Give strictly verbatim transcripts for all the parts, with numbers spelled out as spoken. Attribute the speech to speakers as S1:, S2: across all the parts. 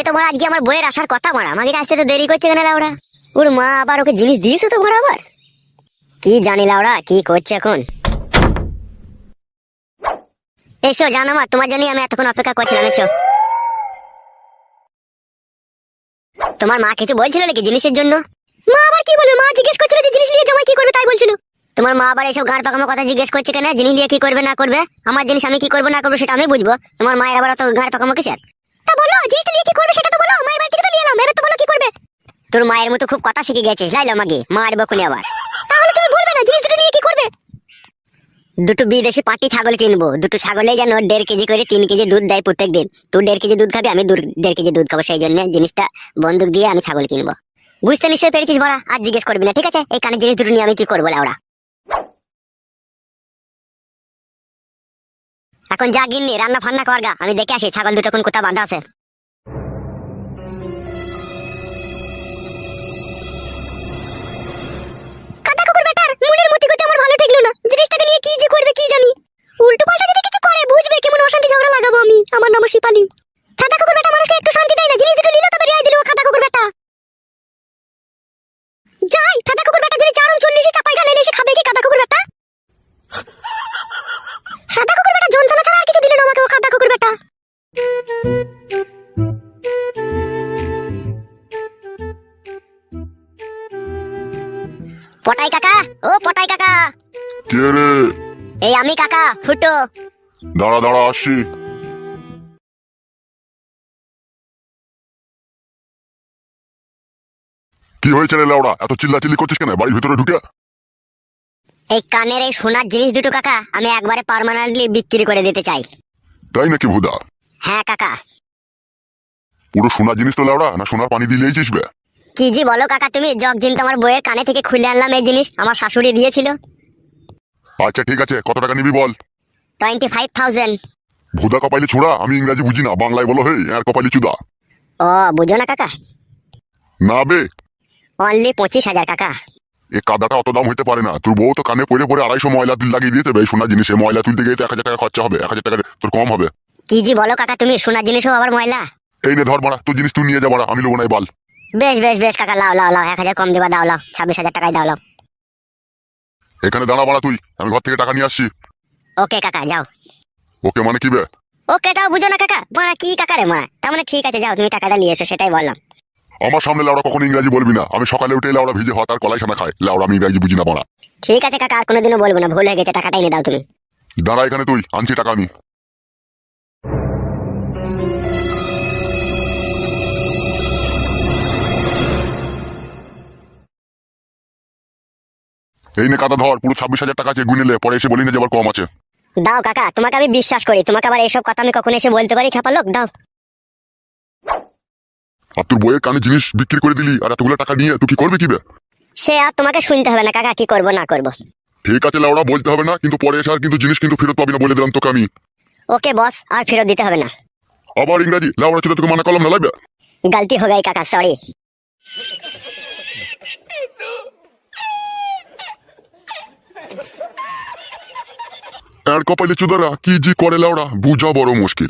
S1: তো মারা আজকে আমার বইয়ের আসার কথা মারা, আমাকে আসতে তো দেরি করছে কেন লাউড়া? ওর মা আবার ওকে জিনিস দিয়েছে তো মারা আবার, কি জানি লাউড়া কি করছে এখন। এসো জানো মা, তোমার জন্যই আমি এতক্ষণ অপেক্ষা করছিলাম, এসো। তোমার মা কিছু বলছিল নাকি জিনিসের জন্য? মা আবার কি বলবে, মা জিজ্ঞেস করছিল যে জিনিস নিয়ে জমা কি করবে তাই বলছিল। তোমার মা আবার এইসব গাঁড় পাকামো কথা জিজ্ঞেস করছে কেন? জিনিস নিয়ে কি করবে না করবে, আমার জিনিস আমি কি করবো না করবো সেটা আমি বুঝবো, তোমার মায়ের আবার অত গাঁড় পাকামো কিসের? তা বলো জিনিসটা নিয়ে কি করবে সেটা তো বলো, মায়ের বাড়ি থেকে তো নিয়ে এলাম, এবার তো বলো কি করবে। তোর মায়ের মতো খুব কথা শিখে গেছিস, লাইলো মাগি মারবো খুনি আবার। তাহলে তুমি বলবে না জিনিস দুটো নিয়ে কি করবে? দুটো বিদেশি পাটি ছাগল কিনবো, দুটো ছাগলে যেন দেড় কেজি করে তিন কেজি দুধ দেয় প্রত্যেক দিন। তুই দেড় কেজি দুধ খাবি, আমি দেড় কেজি দুধ খাবো, সেই জন্য জিনিসটা বন্দুক দিয়ে আমি ছাগল কিনবো। বুঝতে নিশ্চয়ই পেরেছিস বড়া, আর জিজ্ঞেস করবি না ঠিক আছে? এই কানের জিনিস দুটো নিয়ে আমি কি করবো লাউড়া? এখন যা গিন্নি রান্না ফান্না করগা, আমি দেখে আসি ছাগল দুটো কোন কোথা বাঁধা আছে। কাদা কুকুর বেটার মনের মতি গতি আমার ভালো ঠেকলো না, জিনিসটাকে নিয়ে কি যে করবে কি জানি। উল্টো পাল্টা যদি কিছু করে বুঝবে কেমন অশান্তি ঝগড়া লাগাবো আমি। আমার নাম শিপালি। কাদা কুকুর বেটা মানুষকে একটু শান্তি দেয় না, জিনিস দুটো নিল তবে রিয়াই দিল কাদা কুকুর বেটা। যাই কাদা কুকুর বেটা যদি চারণ চল্লিশে চাপাই গালে এসে খাবে কি কাদা কুকুর বেটা? কাদা কুকুর বেটা যন্ত্রণা ছাড়া আর কিছু দিল না আমাকে ও কাদা কুকুর বেটা। পটাই কাকা, ও পটাই কাকা।
S2: কে রে?
S1: এই আমি কাকা ফুটো।
S2: দাঁড়া দাঁড়া আসছি। কি হয়েছে রে লাউড়া, এত চিল্লাচিল্লি করছিস কেন বাড়ির ভিতরে ঢুকে?
S1: এই কানের এই সোনার জিনিস দুটো কাকা আমি একবারে পার্মানেন্টলি বিক্রি করে দিতে চাই।
S2: তাই নাকি ভুদা?
S1: হ্যাঁ কাকা।
S2: পুরো সোনার জিনিস তো লাউড়া, না সোনার পানি দিলেই চিসবে?
S1: কি জি বলো কাকা তুমি, জগ জিন তোমার বইয়ের কানে থেকে খুলে আনলাম এই জিনিস, আমার শাশুড়ি দিয়েছিল।
S2: আচ্ছা ঠিক আছে, কত টাকা নিবি বল?
S1: Twenty five thousand.
S2: ভুদা কপালি ছোড়া, আমি ইংরাজি বুঝি না, বাংলায় বলো হে আর কপালি চুদা।
S1: ও বুঝো না কাকা?
S2: না বে,
S1: অনলি পঁচিশ হাজার কাকা।
S2: এ কাদাটা অত দাম হইতে পারে না, তোর বউ তো কানে পড়ে পড়ে আড়াইশো ময়লা তুল লাগিয়ে দিতে হবে। সোনার জিনিসে ময়লা তুলতে গিয়ে তো এক হাজার টাকা খরচা হবে, এক হাজার টাকা তোর কম হবে?
S1: কি জি বলো কাকা তুমি, সোনার জিনিসও আবার ময়লা?
S2: এই নে ধর মারা, তোর জিনিস তুই নিয়ে যা মারা, আমি লোবো নাই বল।
S1: বেশ বেশ বেশ কাকা, লাও লাও লাও, এক হাজার কম দেবা, দাও লাও, ছাব্বিশ হাজার টাকায় দাও লাও।
S2: এখানে দাঁড়া মারা তুই, আমি ঘর থেকে টাকা নিয়ে আসছি।
S1: ওকে কাকা যাও।
S2: ওকে মানে কি বে?
S1: ওকে টাও বুঝো না কাকা, মারা কি কাকা রে মারা, তার মানে ঠিক আছে যাও তুমি টাকাটা নিয়ে এসো, সেটাই বললাম।
S2: আমার সামনে লাউড়া কখনো ইংরাজি বলবি না, আমি সকালে উঠে লাউড়া ভিজে ভাত আর কলাই সানা খাই, লাউড়া আমি ইংরাজি বুঝি না মারা।
S1: ঠিক আছে কাকা, আর কোনোদিনও বলবো না, ভুল হয়ে গেছে, টাকাটা এনে দাও তুমি।
S2: দাঁড়া এখানে তুই, আনছি টাকা আমি। এই নে কাদা ধর, পুরো ছাব্বিশ হাজার টাকা আছে, গুনেলে পরে এসে বলি না যে আবার কম আছে।
S1: দাও কাকা, তোমাকে আমি বিশ্বাস করি, তোমাকে আবার এইসব কথা আমি কখনো এসে বলতে পারি খেপা লোক? দাও।
S2: আর তোর বইয়ের কানে জিনিস বিক্রি করে দিলি, আর এতগুলো টাকা নিয়ে তুই কি করবি কি বে?
S1: সে আর তোমাকে শুনতে হবে না কাকা, কি করবো না করবো।
S2: ঠিক আছে লাউড়া, বলতে হবে না, কিন্তু পরে এসে আর কিন্তু জিনিস কিন্তু ফেরত পাবি না বলে দিলাম তোকে আমি।
S1: ওকে বস, আর ফেরত দিতে হবে না।
S2: আবার ইংরাজি লাউড়া ছিল, তোকে মানা করলাম না লাগবে?
S1: গলতি হয়ে গেই কাকা, সরি।
S2: আর কপালে চুদারা কি জি করে লাউড়া, বুঝা বড় মুশকিল।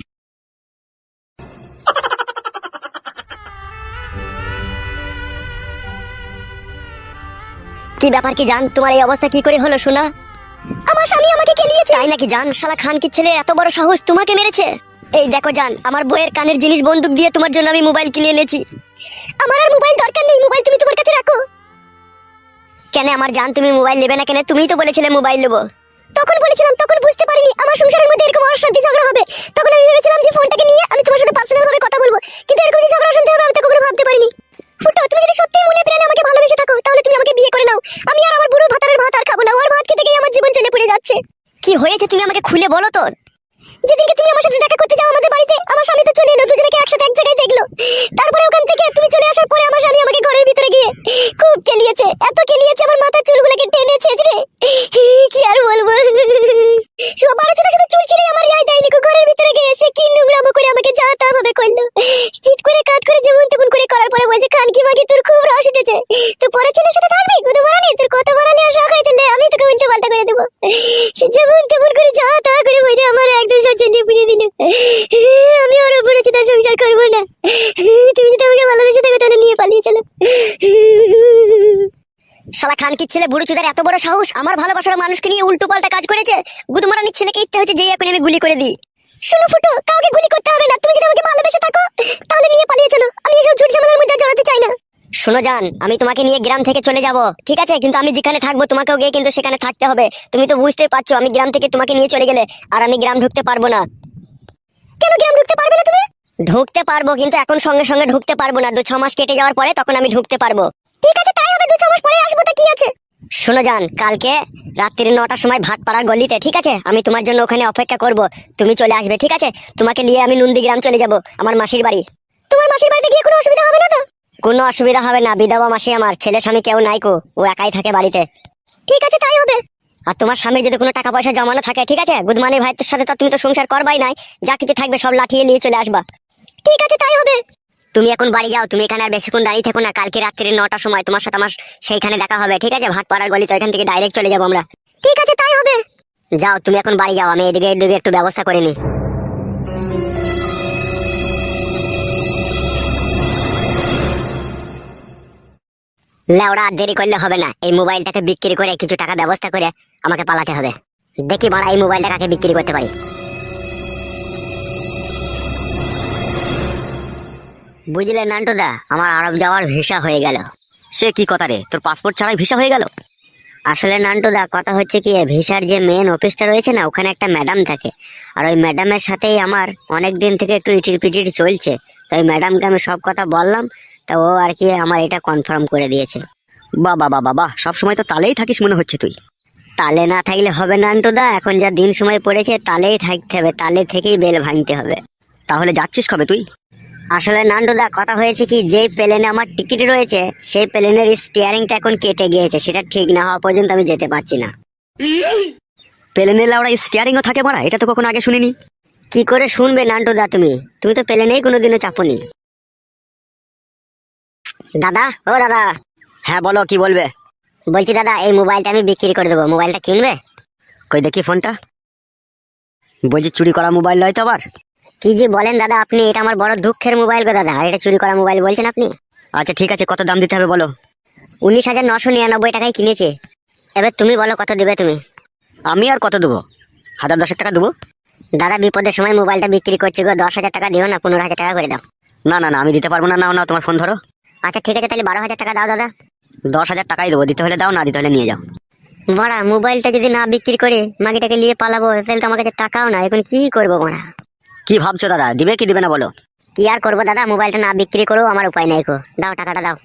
S1: কি ব্যাপার কি জান, তোমার এই অবস্থা কি করে হলো শোনা? আমার স্বামী আমাকে কেলিয়েছে। তাই নাকি জান? শালা খানকির ছেলে এত বড় সাহস, তোমাকে মেরেছে? এই দেখো জান, আমার বইয়ের কানের জিনিস বন্দুক দিয়ে তোমার জন্য আমি মোবাইল কিনে এনেছি। আমার আর মোবাইল দরকার নেই, মোবাইল তুমি তোমার কাছে রাখো। কেন আমার জান তুমি মোবাইল নেবে না কেন? তুমিই তো বলেছিলে মোবাইল নেবো। তখন বলেছিলাম, তখন বুঝতে পারিনি আমার সংসারের মধ্যে এরকম অশান্তি ঝগড়া হবে। তখন আমি ভেবেছিলাম যে ফোনটাকে নিয়ে আমি তোমার সাথে পার্সোনাল ভাবে কথা বলবো, কিন্তু এরকম যে ঝগড়া অশান্তি হবে আমি তো কখনো ভাবতে পারিনি। ফুটো, তুমি যদি সত্যি মনে প্রাণে আমাকে ভালোবেসে থাকো তাহলে তুমি আমাকে বিয়ে করে নাও। আমি আর আমার বুড়ো ভাতারের ভাত আর খাবো না, ওর ভাত খেতে গিয়ে আমার জীবন চলে পড়ে যাচ্ছে। কি হয়েছে তুমি আমাকে খুলে বলো তো। যেদিনকে তুমি আমার সাথে দেখা করতে যাও আমাদের বাড়িতে, আমার স্বামী তো চলে এলো, দুজনেকে একসাথে এক জায়গায় দেখলো। তারপরে ওখান থেকে তুমি চলে আসার পরে আমার স্বামী আমাকে ঘরের ভিতরে গিয়ে খুব কেলিয়েছে, এত কেলিয়েছে আমার মাথার চুলগুলোকে টেনে ছেঁচড়ে, কি আর বলবো। সবার জন্য শুধু চুল ছিঁড়ে আমার রিয়াই দেয়নি, ঘরের ভিতরে গিয়ে এসে কি নোংরামো করে আমাকে যা তা ভাবে করলো। চিৎ করে কাজ করে যেমন তেমন করে করার পরে বলছে, খান কি মাগি তোর খুব রস উঠেছে, তো পরে ছেলের সাথে থাকবি, কত বাড়ানি তোর, কত বাড়ালে আর শখ হইতে আমি তোকে উল্টো পাল্টা করে দেবো। সে যেমন তেমন করে যা তা করে বলে আমার একদম সব চলিয়ে পুড়িয়ে দিল। আমি ওর উপরে চিন্তা সংসার করবো না, ছেলে বুড়ো চুদার এত বড় সাহস আমার ভালোবাসার মানুষকে নিয়ে উল্টো পাল্টা কাজ করেছে। গুদমারানির ছেলেকে ইচ্ছা হচ্ছে যে এখন আমি গুলি করে দিই। শোনো ফুটো, কাউকে গুলি করতে হবে না। তুমি যদি আমাকে ভালোবেসে থাকো তাহলে নিয়ে পালিয়ে চলো। আমি এসব ঝুট ঝামেলার মধ্যে জড়াতে চাই না। শোনো জান, আমি তোমাকে নিয়ে গ্রাম থেকে চলে যাব, ঠিক আছে? কিন্তু আমি যেখানে থাকবো তোমাকেও গিয়ে কিন্তু সেখানে থাকতে হবে। তুমি তো বুঝতেই পারছো আমি গ্রাম থেকে তোমাকে নিয়ে চলে গেলে আর আমি গ্রাম ঢুকতে পারবো না। কেন গ্রাম ঢুকতে পারবে না তুমি? ঢুকতে পারবো, কিন্তু এখন সঙ্গে সঙ্গে ঢুকতে পারবো না। দু ছ মাস কেটে যাওয়ার পরে তখন আমি ঢুকতে পারবো। ঠিক আছে তাই হবে, দু ছ মাস পরে আসবো, তা কি আছে? শোনো জান, কালকে রাত্রি নটার সময় ভাটপাড়ার গলিতে, ঠিক আছে? আমি তোমার জন্য ওখানে অপেক্ষা করব, তুমি চলে আসবে, ঠিক আছে? তোমাকে নিয়ে আমি নন্দীগ্রাম চলে যাব, আমার মাসির বাড়ি। তোমার মাসির বাড়িতে গিয়ে কোনো অসুবিধা হবে না তো? কোনো অসুবিধা হবে না, বিধবা মাসি আমার, ছেলে স্বামী কেউ নাই কো, ও একাই থাকে বাড়িতে। ঠিক আছে তাই হবে। আর তোমার স্বামীর যদি কোনো টাকা পয়সা জমানো থাকে, ঠিক আছে, গুদমানি ভাইয়ের সাথে তো তুমি তো সংসার করবাই নাই, যা কিছু থাকবে সব লাঠিয়ে নিয়ে চলে আসবা। ঠিক আছে তাই হবে। তুমি এখন বাড়ি যাও, তুমি এখানে আর বেশিক্ষণ দাঁড়িয়ে থেকো না। কালকে রাত্রি নটার সময় তোমার সাথে আমার সেইখানে দেখা হবে, ঠিক আছে? ভাটপাড়ার গলি, তো এখান থেকে ডাইরেক্ট চলে যাবো আমরা। ঠিক আছে তাই হবে। যাও তুমি এখন বাড়ি যাও, আমি এদিকে এদিকে একটু ব্যবস্থা করে নিই। লেওড়া আর দেরি করলে হবে না, এই মোবাইলটাকে বিক্রি করে কিছু টাকা ব্যবস্থা করে আমাকে পালাতে হবে। দেখি বাড়া এই মোবাইলটা কাকে বিক্রি করতে পারি। বুঝলে নান্টুদা, আমার আরব যাওয়ার ভিসা হয়ে গেল।
S3: সে কি কথা রে, তোর পাসপোর্ট ছাড়াই ভিসা হয়ে গেল?
S1: আসলে নান্টুদা কথা হচ্ছে কি, ভিসার যে মেন অফিসটা রয়েছে না, ওখানে একটা ম্যাডাম থাকে। আর ওই ম্যাডামের সাথেই আমার অনেক দিন থেকে একটু ইটির পিটির চলছে। তো ওই ম্যাডামকে আমি সব কথা বললাম, তা ও আর কি আমার এটা কনফার্ম করে দিয়েছে।
S3: বাবা বাবা বাবা, সব সময় তো তালেই থাকিস মনে হচ্ছে তুই।
S1: তালে না থাকলে হবে নান্টুদা, এখন যা দিন সময় পড়েছে তালেই থাকতে হবে, তালে থেকেই বেল ভাঙতে হবে।
S3: তাহলে যাচ্ছিস কবে তুই?
S1: আসলে নান্টুদা কথা হয়েছে কি, যেই প্লেনে আমার টিকিট রয়েছে সেই প্লেনের স্টিয়ারিংটা এখন কেটে গিয়েছে, সেটা ঠিক না হওয়া পর্যন্ত আমি যেতে পারছি না।
S3: প্লেনে লাউড়া স্টিয়ারিংও থাকে মারা, এটা তো কখনো আগে শুনিনি।
S1: কি করে শুনবে নান্টুদা, তুমি তুমি তো প্লেনেই কোনোদিনও চাপনি। দাদা, ও দাদা।
S3: হ্যাঁ বলো, কি বলবে?
S1: বলছি দাদা, এই মোবাইলটা আমি বিক্রি করে দেবো, মোবাইলটা কিনবে?
S3: কই দেখি ফোনটা। বলছি চুরি করা মোবাইল নয় তো আবার?
S1: কি যে বলেন দাদা আপনি, এটা আমার বড় দুঃখের মোবাইল গো দাদা, আর এটা চুরি করা মোবাইল বলছেন আপনি?
S3: আচ্ছা ঠিক আছে, কত দাম দিতে হবে বলো?
S1: উনিশ হাজার নশো নিরানব্বই টাকায় কিনেছে। এবার তুমি বলো কত দেবে তুমি?
S3: আমি আর কত দেবো? হাজার দশেক টাকা দেবো।
S1: দাদা বিপদের সময় মোবাইলটা বিক্রি করছি গো, দশ হাজার টাকা দিও না, পনেরো হাজার টাকা করে দাও।
S3: না না না, আমি দিতে পারবো না। নাও না, তোমার ফোন ধরো।
S1: আচ্ছা ঠিক আছে, তাহলে বারো হাজার টাকা দাও দাদা।
S3: দশ হাজার টাকাই দেবো, দিতে হলে দাও, না দিতে হলে নিয়ে যাও।
S1: বড়া, মোবাইলটা যদি না বিক্রি করে মাগিটাকে নিয়ে পালাবো, তাহলে তো আমার কাছে টাকাও না, এখন কি করবো বড়া?
S3: কি ভাবছো দাদা, দিবে কি দিবে না বলো?
S1: কি আর করবো দাদা, মোবাইলটা না বিক্রি করেও আমার উপায় নাই গো, দাও টাকাটা দাও।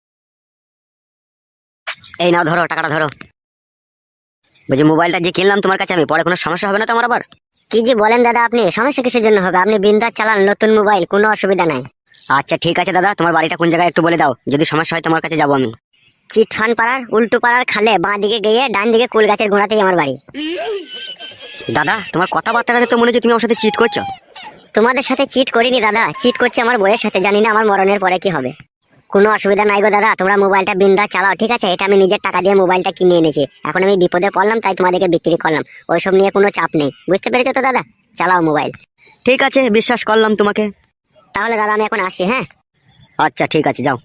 S3: এই নাও ধরো, টাকাটা ধরো। বলছি মোবাইলটা যে কিনলাম তোমার কাছে আমি, পরে কোনো সমস্যা হবে না তো আমার আবার?
S1: কি যে বলেন দাদা আপনি, সমস্যা কিসের জন্য হবে? আপনি বিন্দাস চালান, নতুন মোবাইল, কোনো অসুবিধা নাই।
S3: আচ্ছা ঠিক আছে দাদা, তোমার বাড়িটা কোন জায়গায় একটু বলে দাও, যদি সমস্যা হয় তোমার কাছে যাবো আমি।
S1: চিটফান পাড়ার উল্টো পাড়ার খালে বাঁ দিকে গিয়ে ডান দিকে কুল গাছের গোড়াতেই আমার বাড়ি।
S3: দাদা তোমার কথাবার্তাটাতে তো মনে হচ্ছে তুমি আমার সাথে চিট করছো।
S1: তোমাদের সাথে চিট করিনি দাদা, চিট করছে আমার বইয়ের সাথে, জানি না আমার মরণের পরে কি হবে। কোনো অসুবিধা নাই গো দাদা, তোমরা মোবাইলটা বিন্দাস চালাও, ঠিক আছে? এটা আমি নিজের টাকা দিয়ে মোবাইলটা কিনে এনেছি, এখন আমি বিপদে পড়লাম তাই তোমাদেরকে বিক্রি করলাম, ওইসব নিয়ে কোনো চাপ নেই, বুঝতে পেরেছো তো দাদা? চালাও মোবাইল।
S3: ঠিক আছে, বিশ্বাস করলাম তোমাকে।
S1: তাহলে দাদা আমি এখন আসি, হ্যাঁ?
S3: আচ্ছা ঠিক আছে, যাও।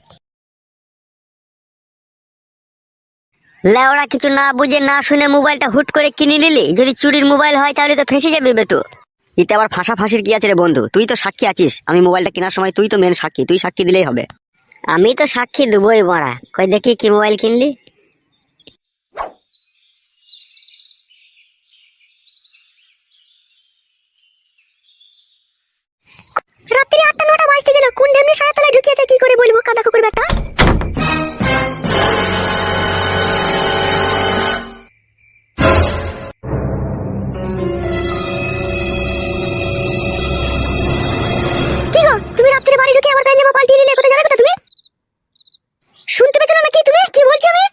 S1: লেওড়া, কিছু না বুঝে না শুনে মোবাইলটা হুট করে কিনে নিলি, যদি চুরির মোবাইল হয় তাহলে তো ফেঁসে যাবে বে তো।
S3: এতে আবার ফাঁসা ফাঁসির কি আছে রে বন্ধু? তুই তো সাক্ষী আছিস, আমি মোবাইলটা কেনার সময় তুই তো মেন সাক্ষী, তুই সাক্ষী দিলেই হবে।
S1: আমি তো সাক্ষী দেবই বড়া, কই দেখি কি মোবাইল কিনলি। রাত্রি আটটা নটা বাজতে গেল, কোন ঢেমনি সায়া তলায় ঢুকিয়েছে কি করে বলবো, কাদা কুকুর ব্যাটা। কি গো, তুমি রাত্রে বাড়ি ঢুকে আমার প্যান্ট জামা পাল্টিয়ে নিলে, কোথায় যাবে কোথায় তুমি? শুনতে পেছো না নাকি তুমি কি বলছি আমি?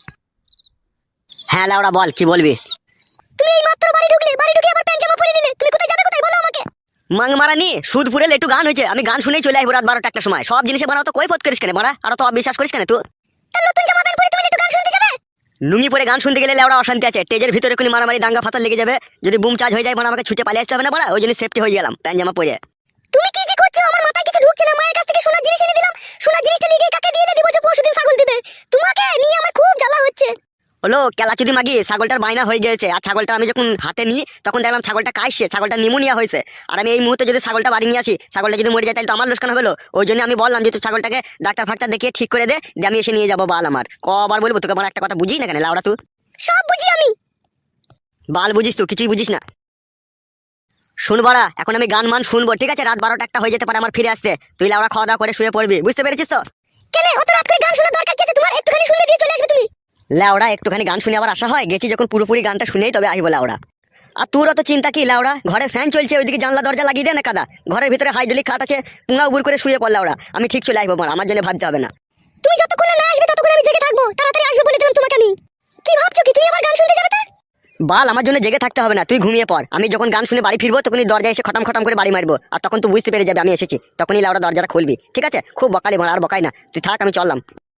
S3: হ্যাঁ লাউড়া বল, কি বলবি?
S1: তুমি এই মাত্র বাড়ি ঢুকলে, বাড়ি ঢুকে আমার প্যান্ট জামা পরে নিলে, তুমি কোথায় যাবে কোথায় বলো আমাকে?
S3: মাং মারা নি সুদ ফুরেল একটু গান হয়েছে, আমি গান শুনেই চলে আসবো রাত বারোটা একটা সময়। সব জিনিসে বানাও তো কই ফত করিস কেন মারা, আর তো অবিশ্বাস করিস কেন তুই?
S1: তা নতুন জামা প্যান্ট পরে তুমি একটু গান শুনতে যাবে?
S3: লুঙ্গি পরে গান শুনতে গেলে লেওড়া অশান্তি আছে, স্টেজের ভিতরে কোনো মারামারি দাঙ্গা ফাতাল লেগে যাবে, যদি বুম চার্জ হয়ে যায় মানে আমাকে ছুটে পালিয়ে আসতে হবে না বড়া, ওই জন্য সেফটি হয়ে গেলাম প্যান্ট জামা পরে।
S1: তুমি কি যে করছো, আমার মাথায় কিছু ঢুকছে না। মায়ের কাছ থেকে সোনার জিনিস এনে দিলাম, সোনার জিনিসটা লিখে কাকে দিয়ে দিব যে পরশুদিন ছাগল দিবে, তোমাকে নিয়ে আমার খুব জ্বালা হচ্ছে।
S3: হলো কেলাচুদি মাগি ছাগলটার বায়না হয়ে গেছে, আর ছাগলটা আমি যখন হাতে নিই তখন দেখলাম ছাগলটা কাশছে, ছাগলটা নিমোনিয়া হয়েছে। আর আমি এই মুহূর্তে যদি ছাগলটা বাড়ি নিয়ে আসি, ছাগলটা যদি মরে যায় তাহলে তো আমার লোকসান হলো। ওই জন্য আমি বললাম যে তুই ছাগলটাকে ডাক্তার ফাক্তার দেখিয়ে ঠিক করে দে, দিয়ে আমি এসে নিয়ে যাবো বাল আমার। কবার বলবো তোকে, আমার একটা কথা বুঝি না কেন লাউড়া তুই?
S1: সব বুঝি আমি।
S3: বাল বুঝিস তুই, কিছুই বুঝিস না। শুন বাড়া, এখন আমি গান মান শুনবো, ঠিক আছে? রাত বারোটা একটা হয়ে যেতে পারে আমার ফিরে আসতে। তুই লাউড়া খাওয়া দাওয়া করে শুয়ে পড়বি, বুঝতে পেরেছিস তো?
S1: কেন অত রাত করে গান শোনার দরকার কি আছে তোমার? একটুখানি শুনলে দিয়ে চলে আসবে তুমি।
S3: লাউড়া একটুখানি গান শুনে আবার আসা হয়? গেছি যখন পুরোপুরি গানটা শুনেই তবে আসবো লাউড়া। আর তোর অত চিন্তা কি লাউড়া? ঘরে ফ্যান চলছে, ওইদিকে জানলা দরজা লাগিয়ে দে না কাদা। ঘরের ভিতরে হাইড্রোলিক খাট আছে, পুঙ্গা উবুর করে শুয়ে পড় লাউড়া। আমি ঠিক চলে আসবো, আমার জন্য ভাবতে হবে না।
S1: তুমি যতক্ষণ না আসবে ততক্ষণ আমি জেগে থাকবো। তাড়াতাড়ি আসবে বলে দিলাম তোমাকে আমি। কি ভাবছো কি তুমি আবার গান শুনতে যাবে? তা
S3: বাল আমার জন্য জেগে থাকতে হবে না, তুই ঘুমিয়ে পড়। আমি যখন গান শুনে বাড়ি ফিরবো তখনই দরজা এসে খটাম খটাম করে বাড়ি মারবো, আর তখন তুই বুঝতে পেরে যাবে আমি এসেছি। তখনই লাউড়া দরজাটা খুলবি, ঠিক আছে? খুব বকালি মার, আর বকাই না, তুই থাক, আমি চললাম।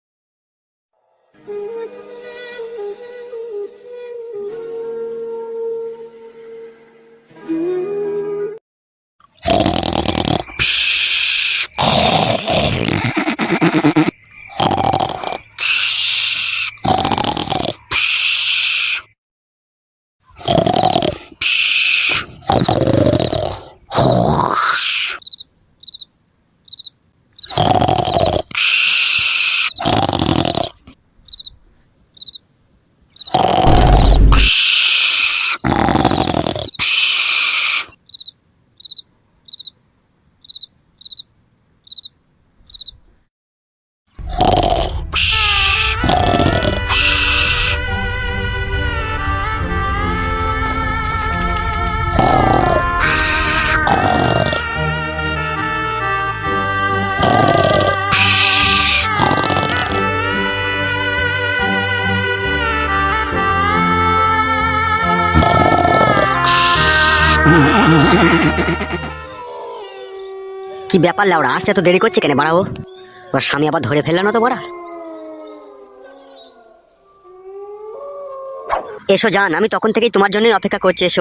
S3: কি ব্যাপার লাউড়া, আসতে এত দেরি করছে কেন বাড়াও? ওর স্বামী আবার ধরে ফেললো না তো বড়া? এসো জান, আমি তখন থেকেই তোমার জন্যই অপেক্ষা করছি, এসো।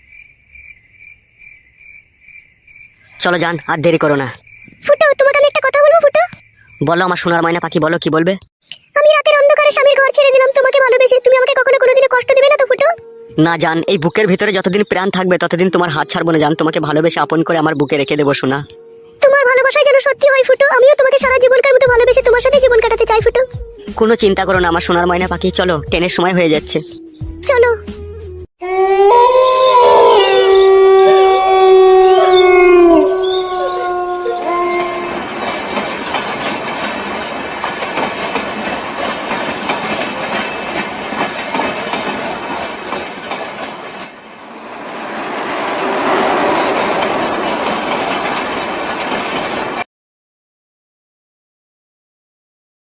S3: চলো জান, আর দেরি করো না।
S1: ফুটো, তোমাকে আমি একটা কথা বলবো ফুটো।
S3: বলো আমার সোনার ময়না পাখি, বলো কি বলবে?
S1: আমি রাতের অন্ধকারে স্বামীর ঘর ছেড়ে দিলাম তোমাকে ভালোবেসে। তুমি আমাকে কখনো কোনোদিনও কষ্ট দিবে না তো ফুটো?
S3: না জান, এই বুকের ভিতরে যতদিন প্রাণ থাকবে ততদিন তোমার হাত ছাড়বো না জান। তোমাকে ভালোবেসে আপন করে আমার বুকে রেখে দেবো সোনা।
S1: তোমার ভালোবাসায় যেন সত্যি হয় ফুটো। আমিও তোমাকে সারা জীবনকার মতো ভালোবেসে তোমার সাথে জীবন কাটাতে চাই ফুটো।
S3: কোনো চিন্তা করো না আমার সোনার ময়না পাখি, চলো, ট্রেনের সময় হয়ে যাচ্ছে।
S1: চলো।